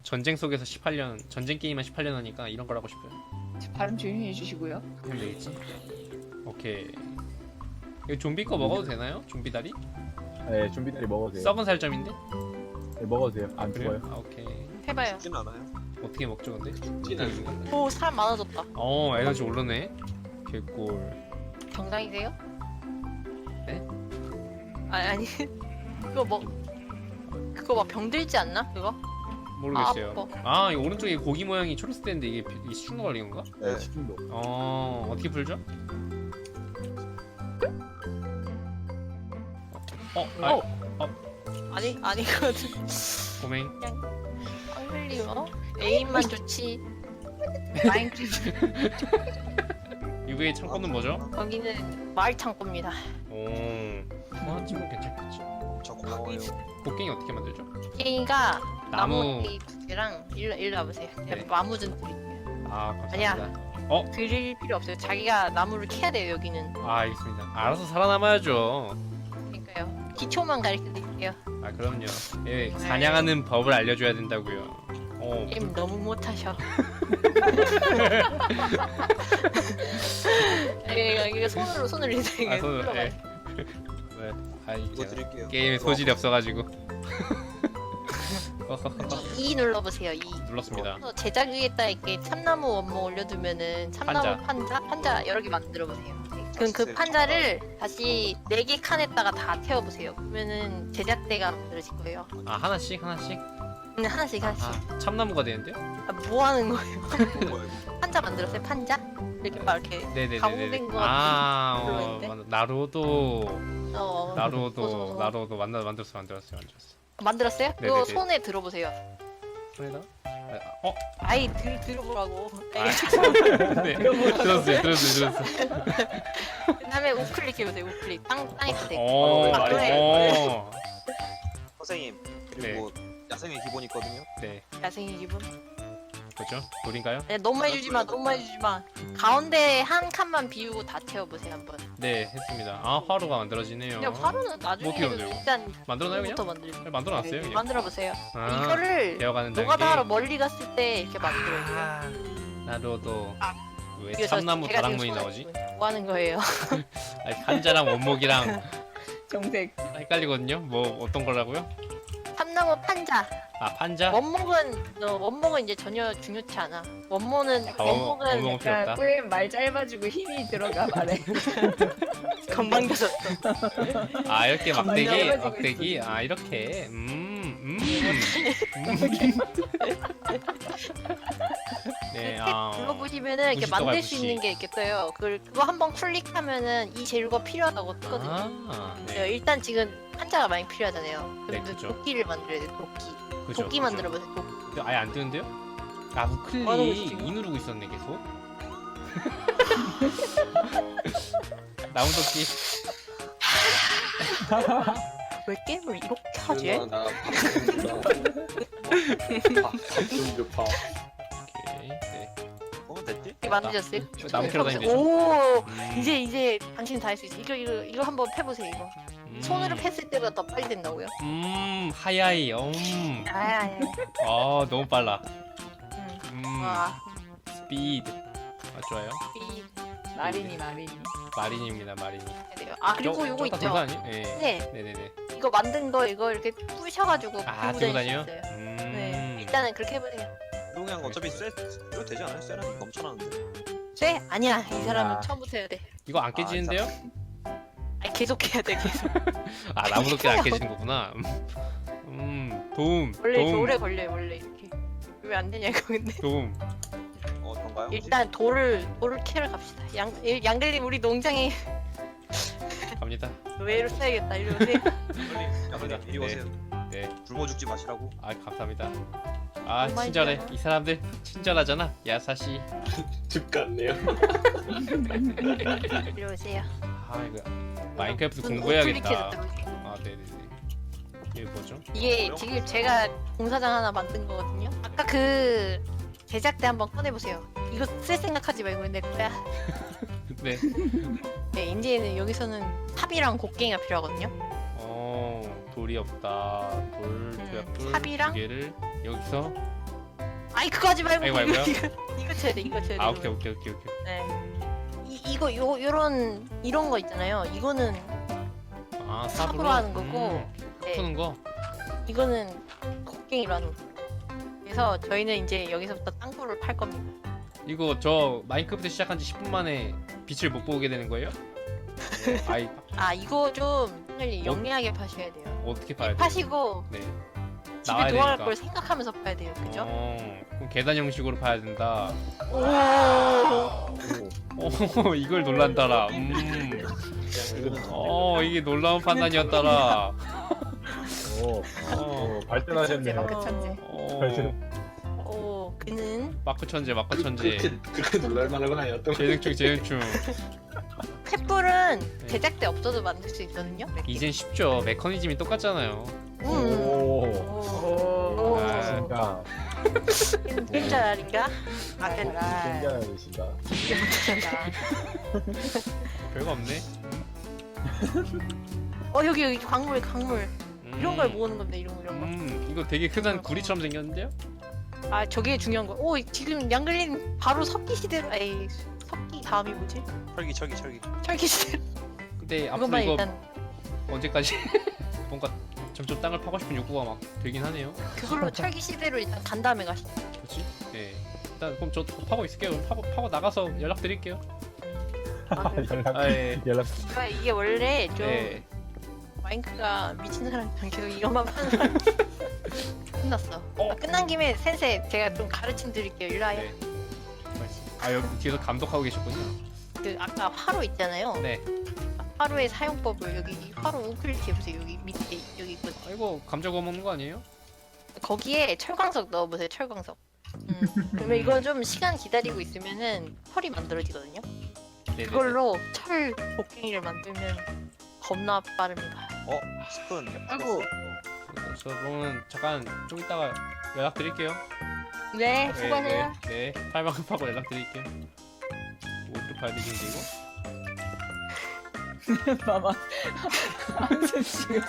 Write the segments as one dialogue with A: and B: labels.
A: 전쟁 속에서 18년 전쟁 게임만 18년 하니까 이런 걸 하고 싶어요.
B: 발음 조용히 해주시고요.
A: 그럼 되겠지? 오케이. 이거 좀비 거 먹어도 되나요? 좀비 다리?
C: 네, 좀비다리 먹어도 돼요.
A: 썩은 살점인데?
C: 네, 먹어도 돼요. 안
A: 그래요?
C: 죽어요.
A: 아, 오케이.
D: 해봐요.
E: 죽진 않아요.
A: 어떻게 먹죠 근데?
E: 죽진 않아요.
D: 오 사람 많아졌다.
A: 에너지 오르네. 개꿀.
D: 정상이세요?
A: 네?
D: 아니 그거 막 병들지 않나? 그거?
A: 모르겠어요.
D: 아,
A: 이 오른쪽에 고기 모양이 초록색인데 이게 식중독 걸린 건가?
C: 네,
E: 네.
C: 식중독.
A: 어떻게 풀죠?
D: 아니거든.
A: 고맹.
D: 앙글리어 에임만 좋지.
B: 마인크래프트.
A: 유괴의 창고는 뭐죠?
D: 거기는 마을 창고입니다.
A: 하나쯤은 괜찮겠지.
E: 저 고마워요.
A: 곡괭이 어떻게 만들죠?
D: 게임가
A: 나무.
D: 나무 두 개랑 일로 와보세요.
A: 네.
D: 나무 좀 드릴게요.
A: 감사합니다.
D: 아니야. 드릴 필요 없어요. 자기가 나무를 캐야 돼요 여기는.
A: 알겠습니다. 알아서 살아남아야죠.
D: 그러니까요. 기초만 가르쳐 드릴게요.
A: 그럼요. 예, 사냥하는 법을 알려줘야 된다고요.
D: 게임 너무 못하셔. 이거 손으로 이제
A: 손으로. 예.
E: 이거 드릴게요.
A: 게임에 소질이 없어가지고.
D: E 눌러보세요. E.
A: 눌렀습니다.
D: 그래서 제작 위에다 이렇게 참나무 원목 올려두면은 참나무 판자 여러 개 만들어 보세요. 그럼 그 판자를 다시 4개 칸에다가 다 태워보세요. 그러면은 제작대가 만들어질 거예요.
A: 하나씩.
D: 하나씩.
A: 참나무가 되는데요?
D: 뭐 하는 거예요?
E: 뭐예요?
D: 판자 만들었어요? 판자? 이렇게 막 이렇게
A: 네네네.
D: 가공된 거 같은
A: 맞아. 나루도
D: 어.
A: 만들었어.
D: 만들었어요? 그거
A: 네네네.
D: 손에 들어보세요.
A: 손에다?
D: 아이 들어보라고.
A: 네. 들었어요.
D: 그다음에 우클릭 해보세요. 우클릭 땅에 대.
E: 선생님 그리고 야생의 기본이 있거든요.
A: 네.
D: 야생의 기분.
A: 그죠? 돌인가요?
D: 너무 많이 주지 마. 가운데 한 칸만 비우고 다 태워보세요 한번.
A: 네, 했습니다. 화로가 만들어지네요.
D: 그냥 화로는 나중에
A: 어떻게
D: 해도
A: 만들고?
D: 일단
A: 만들어놔요 그냥?
D: 부터 만들죠.
A: 만들어놨어요 그냥?
D: 만들어보세요.
A: 아,
D: 이거를
A: 배워가는 단계.
D: 노가다하러 멀리 갔을 때 이렇게 만들어야 돼요.
A: 나루도 왜
D: 그래서
A: 참나무
D: 제가
A: 다락문이
D: 지금
A: 나오지?
D: 뭐 하는 거예요?
A: 한자랑 원목이랑
B: 정색.
A: 헷갈리거든요? 뭐 어떤 거라고요?
D: 참나무 판자.
A: 판자?
D: 원목은 이제 전혀 중요치 않아. 원목은
A: 원목은 필요 없다.
B: 꿀 말 짧아지고 힘이 들어가 말해.
D: 건방져졌어.
A: 이렇게
B: 짧아지고
A: 막대기?
B: 있어,
A: 이렇게. 네,
D: 눌러보시면은 이렇게
A: 부시도
D: 만들 수
A: 부시.
D: 있는 게 있게 떠요. 그거 한번 클릭하면은 이 재료가 필요하다고 뜨거든요.
A: 네.
D: 일단 지금 판자가 많이 필요하잖아요.
A: 네,
D: 그럼
A: 그죠.
D: 도끼를 만들어야 돼. 도끼.
A: 그죠,
D: 도끼
A: 그죠.
D: 만들어보세요. 도끼.
A: 근데 아예 안 뜨는데요? 우클릭
D: 뭐 하는 거지, 지금?
A: 이 누르고 있었네 계속. 나무도끼.
D: 왜 게임을 이렇게 하지?
A: 오케이. 네.
E: 됐지?
D: 이렇게 만드셨어요?
A: 나무 캐러 다니면 되죠.
D: 오, 이제 당신 다 할 수 있어. 이거 한번 패보세요. 이거 손으로 팼을 때보다 더 빨리 된다고요?
A: 하야이.
D: 아야.
A: 너무 빨라.
D: 와,
A: 스피드. 좋아요.
B: 마린이.
A: 마린입니다, 마린이.
D: 그리고 요거 있죠.
A: 아니에요? 네.
D: 네,
A: 네네네.
D: 이거 만든 거 이거 이렇게 부셔가지고
A: 들고
D: 들고 다닐 수
A: 다녀요?
D: 있어요. 네, 일단은 그렇게 해보세요.
E: 그냥 어차피 쎄도 되지 않아요? 쎄는 넘쳐나는데.
D: 쎄? 아니야. 이 사람은
C: 아.
D: 처음부터 해야 돼.
A: 이거 안 깨지는데요?
D: 계속 해야 돼. 계속.
A: 나무도끼 안 깨지는 거구나. 도움.
D: 원래 이렇게
A: 도움.
D: 오래 걸려요. 원래 이렇게. 왜 안 되냐고 근데.
A: 도움.
E: 그런가요?
D: 일단 돌을 캐러 갑시다. 양글님 우리 농장에
A: 갑니다.
D: 노예로 써야겠다. 이리 오세요.
E: 야분님 이리 오세요.
A: 네.
E: 굶어 죽지 마시라고.
A: 감사합니다.
D: 정말
A: 친절해.
D: 좋아.
A: 이 사람들 친절하잖아. 야사시.
F: 집 같네요.
D: 이리 오세요.
A: 이거 마인크래프트
D: 저는
A: 공부해야겠다.
D: 우클릭해줬다고.
A: 네네네. 이게 뭐죠?
D: 이게 지금 제가 공사장 하나 만든 거거든요. 아까 그 제작대 한번 꺼내보세요. 이거 쓸 생각하지 말고 내 거야.
A: 네.
D: 네, 이제는 여기서는 삽이랑 곡괭이가 필요하거든요.
A: 돌이 없다. 돌, 조약돌
D: 삽이랑?
A: 두 개를 여기서
D: 아이 그거 하지 말고
A: 아이고, 아이고요?
D: 이거 쳐야 돼. 이거 쳐야 돼.
A: 아 오케이 오케이 오케이 오케이.
D: 네. 이거 요런 이런 거 있잖아요. 이거는
A: 아
D: 삽으로 하는 거고, 네.
A: 푸는 거.
D: 이거는 곡괭이로 하는 거. 그래서 저희는 이제 여기서부터 땅굴을 팔 겁니다.
A: 이거 저 마인크래프트 시작한 지 10분 만에 빛을 못 보게 되는 거예요? 아이
D: 아 이거 좀 빨리 영리하게 파셔야 돼요.
A: 어떻게 봐야 돼?
D: 파시고
A: 네.
D: 집에
A: 나와야
D: 돌아갈
A: 되니까.
D: 걸 생각하면서 파야 돼요. 그죠?
A: 그럼 계단 형식으로 봐야 된다.
D: 오.
A: 오 이걸 놀란다라. 이게 놀라운 판단이었다라.
C: 오,
A: 어.
C: 발전하셨네요.
B: 마크 천재.
D: 오 그는
A: 마크 천재 마크 천재.
F: 그렇게 놀랄 만한 건 아니었던 것
A: 재능충 재능충.
D: 횃불은
A: 네.
D: 제작대 없어도 만들 수 있거든요.
A: 이젠 쉽죠. 메커니즘이 똑같잖아요.
C: 오,
D: 오.
A: 아.
C: 진짜
D: 팬자랄인가? 아
C: 굉장하시다.
D: 팬자랄.
A: 별거 없네.
D: 여기 광물 이런 걸
A: 음.
D: 모으는 건데 이런 거.
A: 이거 되게 흔한 구리처럼 생겼는데요?
D: 아 저게 중요한 거. 오 지금 양글린 바로 석기 시대로. 에이 석기 다음이 뭐지?
E: 철기.
D: 철기 시대.
A: 근데 앞으로
D: 이것만
A: 이거
D: 일단
A: 언제까지 뭔가 점점 땅을 파고 싶은 욕구가 막 들긴 하네요.
D: 그걸로 철기 시대로 일단 간 다음에 가시죠.
A: 그렇지? 네. 일단 그럼 저 파고 있을게요. 그럼 파고 나가서 연락 드릴게요. 예.
C: 연락.
D: 이게 원래 좀
A: 네.
D: 마인크가 미친 사람이랑 계속 이것만 파는 사람. 끝났어. 끝난 김에 센세 제가 좀 가르침 드릴게요. 일로 와요.
A: 네. 아 여기 뒤에서 감독하고 계셨군요.
D: 그 아까 화로 있잖아요.
A: 네.
D: 화로의 사용법을 여기 화로 우클릭 해보세요. 여기 밑에 여기 있거든요.
A: 아이고 감자 구워 먹는 거 아니에요?
D: 거기에 철광석 넣어보세요. 철광석. 그러면 이건 좀 시간 기다리고 있으면은 철이 만들어지거든요.
A: 네네네.
D: 그걸로 철 곡괭이를 만들면 겁나 빠릅니다.
E: 스푼.
D: 아이고.
A: 저 그러면 잠깐 좀 이따가 연락 드릴게요.
D: 네, 수고하세요.
A: 네. 팔만큼 파고 연락 드릴게요. 어떻게 봐야 되지 이거?
B: 봐봐. 한숨 쉬고.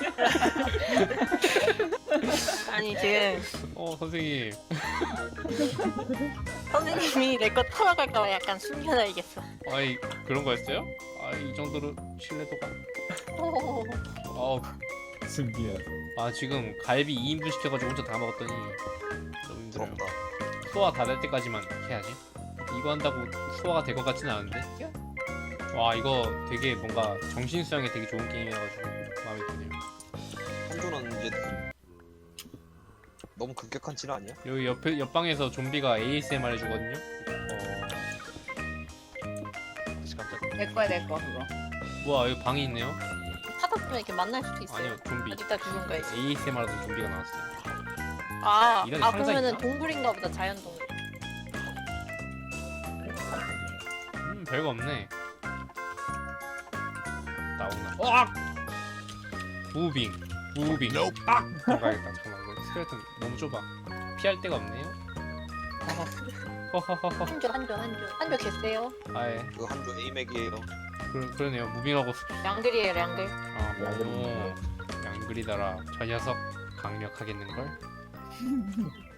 D: 아니 지금
A: 선생님.
D: 선생님이 내 거 털어갈까봐 약간 숨겨놔야겠어.
A: 아이 그런 거였어요? 이 정도로 신뢰도가.
C: 준비해.
A: 지금 갈비 2인분 시켜가지고 혼자 다 먹었더니 너무 힘들어요.
E: 부럽다.
A: 소화 다 될 때까지만 해야지. 이거 한다고 소화가 될 것 같지는 않은데. 와 이거 되게 뭔가 정신 수양에 되게 좋은 게임이라가지고 마음에 드네요.
E: 한조는 이제 너무 급격한 진 아니야?
A: 여기 옆방에서 좀비가 ASMR 해주거든요. 깜짝.
B: 내 거야 내 거 그거.
A: 뭐야 여기 방이 있네요.
D: 하다 보면 이렇게 만날 수도 있어요.
A: 아니요 좀비.
D: 이따 그건 거야지.
A: ASMR도 좀비가 나왔어요. 이런 상상이
D: 그러면은
A: 있나?
D: 동굴인가 보다. 자연 동굴.
A: 별거 없네. 나오나. 무빙. 가야겠다. 잠깐만 이거 스켈레톤 너무 좁아. 피할 데가 없네요. 허허허허.
D: 한조 개쎄요.
A: 아예
E: 그 한조 에이맥이에요.
A: 그러네요. 무빙하고
D: 양글이에요, 양글.
A: 양글이다라. 저 녀석 강력하겠는걸?